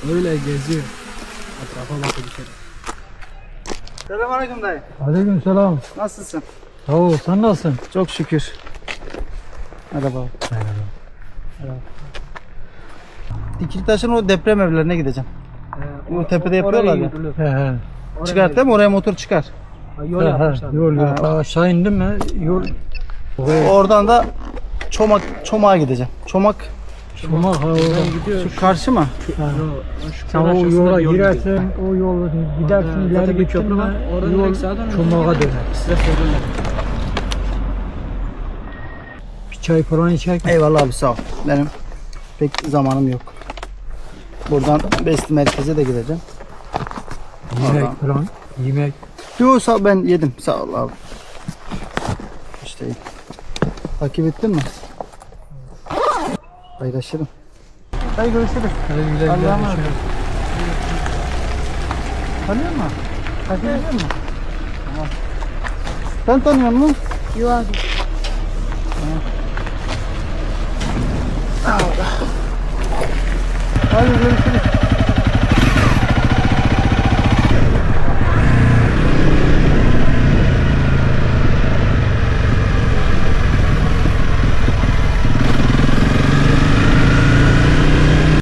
Öyle geziyor. Etrafa bakıyor bir kere. Selamünaleyküm dayı. Aleykümselam. Nasılsın? Sağ ol, sen nasılsın? Çok şükür. Merhaba. Dikiltaş'ın o deprem evlerine gideceğim. O tepede yapıyorlar ya. He he. Çıkart değil mi? Oraya motor çıkar. Yol He yapmışlar. he. Yol yok. Ha. Aşağı indim mi? Yol. Oradan da Çomak'a gideceğim. Çomak Çomak ha oradan. Gidiyor. şu karşı mı? Sen o yola girersin, o yolu gidersin, ileri Zaten bir gittin köprü mi? var. Oradan Yol direkt sağa dönüyor. Çomak'a döner. Size söylüyorlar. Bir çay falan içerken. Eyvallah abi sağ ol. Benim pek zamanım yok. Buradan Besti merkeze de gideceğim. Yemek Oradan. falan. Yemek. Yok sağ ben yedim. Sağ ol abi. İşte iyi. Takip ettin mi? Paylaşırım. Hadi görüşürüz. Hadi güle güle. Allah'a emanet. Tanıyor musun? Takip ediyor musun? Tamam. Sen tanıyor musun? Yok abi. Hadi görüşürüz.